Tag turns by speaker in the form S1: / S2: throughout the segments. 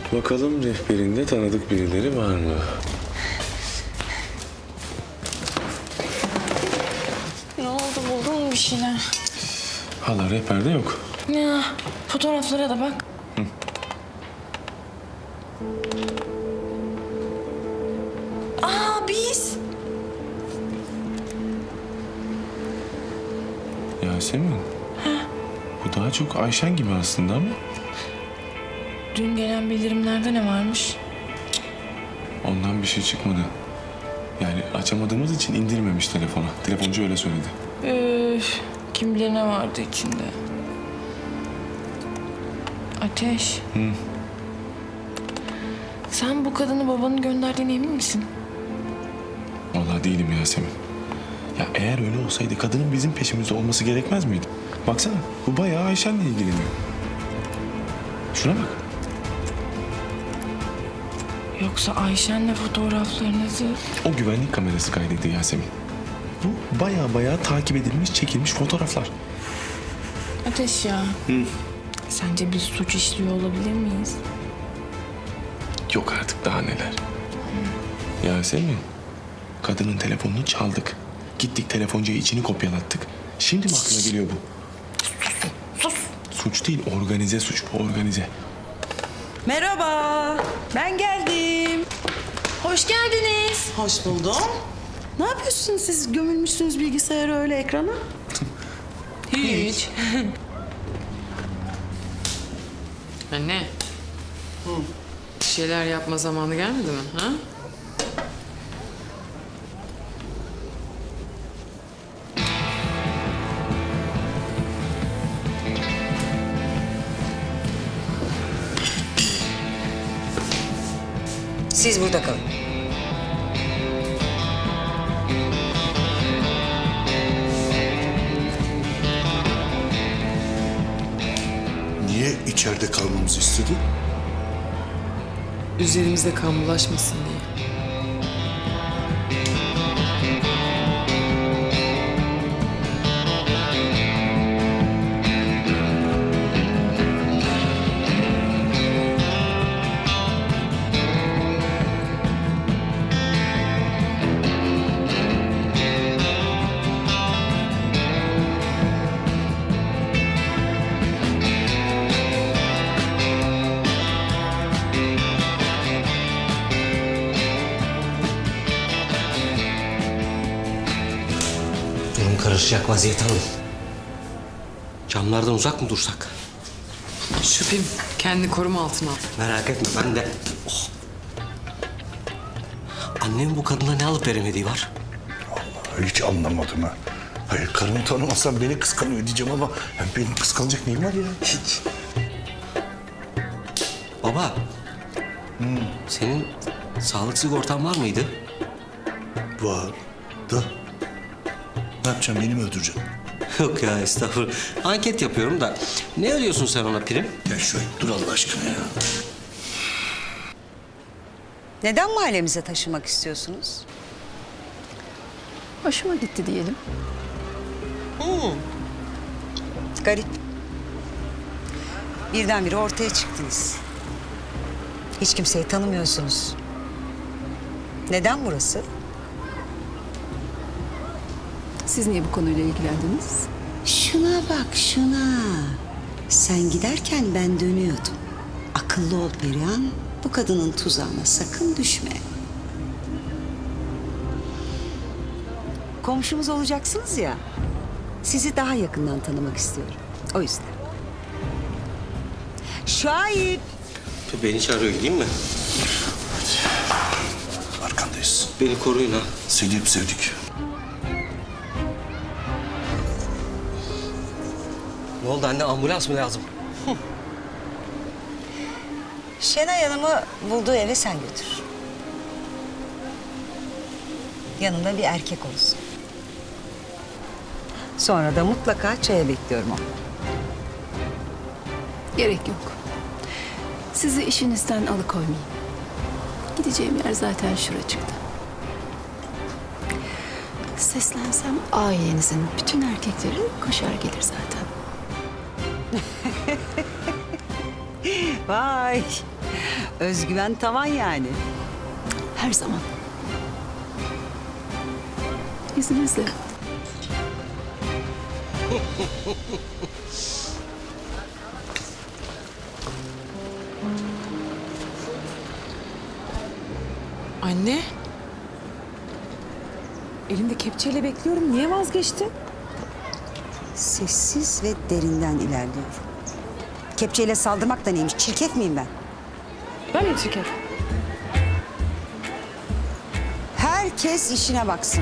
S1: Bakalım rehberinde tanıdık birileri var mı?
S2: Ne oldu, buldun mu bir şeyler?
S1: Hala rehberde yok.
S2: Ya fotoğraflara da bak. Aa, biz.
S1: Yasemin. Bu daha çok Ayşen gibi aslında ama
S2: Dün gelen bildirimlerde ne varmış?
S1: ondan bir şey çıkmadı. Yani açamadığımız için indirmemiş telefona. Telefoncu öyle söyledi.
S2: Üf, kim bilir ne vardı içinde. Ateş. Sen bu kadını babanın gönderdiğine emin misin?
S1: Vallahi değilim Yasemin. Ya eğer öyle olsaydı kadının bizim peşimizde olması gerekmez miydi? Baksana bu bayağı Ayşen'le ilgileniyor. Şuna bak.
S2: Yoksa Ayşen'le fotoğraflarınızı...
S1: O güvenlik kamerası kaydetti Yasemin. Bu bayağı takip edilmiş, çekilmiş fotoğraflar.
S2: Ateş ya. Sence biz suç işliyor olabilir miyiz?
S1: Yok artık daha neler. Yasemin, kadının telefonunu çaldık. Gittik telefoncuya içini kopyalattık. Şimdi mi aklına geliyor bu?
S2: Sus.
S1: Suç değil, organize suç bu, organize.
S3: Merhaba, ben geldim.
S2: Hoş geldiniz.
S3: Hoş buldum. Ne yapıyorsunuz siz? Gömülmüşsünüz bilgisayara öyle ekrana.
S2: Hiç.
S4: Anne. Bir şeyler yapma zamanı gelmedi mi? Ha?
S5: Siz burada kalın.
S6: Niye içeride kalmamızı istedi?
S4: Üzerimizde kan bulaşmasın diye.
S7: Durum karışacak vaziyet alın. Camlardan uzak mı dursak?
S4: Şüphem kendi koruma altına al.
S7: Merak etme ben de. Oh. Annemin bu kadına ne alıp veremediği var?
S6: Hiç anlamadım ha. Hayır karımı tanımasam beni kıskanıyor diyeceğim ama benim kıskanacak neyim var ya? Hiç.
S7: Baba. Senin sağlık sigortan var mıydı?
S6: Var da. Ne yapacağım beni mi öldüreceksin?
S7: Yok ya estağfurullah. Anket yapıyorum da. Ne ödüyorsun sen ona prim?
S6: Gel şöyle dur Allah aşkına ya.
S5: Neden mahallemize taşımak istiyorsunuz?
S8: Hoşuma gitti diyelim.
S5: Garip. Birdenbire ortaya çıktınız. Hiç kimseyi tanımıyorsunuz. Neden burası?
S8: Siz niye bu konuyla ilgilendiniz?
S5: Şuna bak şuna. Sen giderken ben dönüyordum. Akıllı ol Perihan. Bu kadının tuzağına sakın düşme. Komşumuz olacaksınız ya. Sizi daha yakından tanımak istiyorum. O yüzden. Şahip.
S7: Beni çağırıyor gideyim mi?
S6: Arkandayız.
S7: Beni koruyun ha.
S6: Seni hep sevdik.
S7: Ne oldu anne ambulans mı lazım?
S5: Şenay Hanım'ı bulduğu eve sen götür. Yanında bir erkek olsun. Sonra da mutlaka çaya bekliyorum onu.
S8: Gerek yok. Sizi işinizden alıkoymayayım. Gideceğim yer zaten şuracıkta. Seslensem ailenizin bütün erkekleri koşar gelir zaten.
S5: Vay. Özgüven tavan yani.
S8: Her zaman. İzninizle.
S2: Anne. Elimde kepçeyle bekliyorum. Niye vazgeçtin?
S5: Sessiz ve derinden ilerliyorum. Kepçeyle saldırmak da neymiş? Çirkef miyim ben?
S2: Ben mi çirkef?
S5: Herkes işine baksın.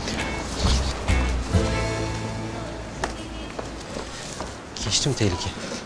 S7: Geçtim tehlike.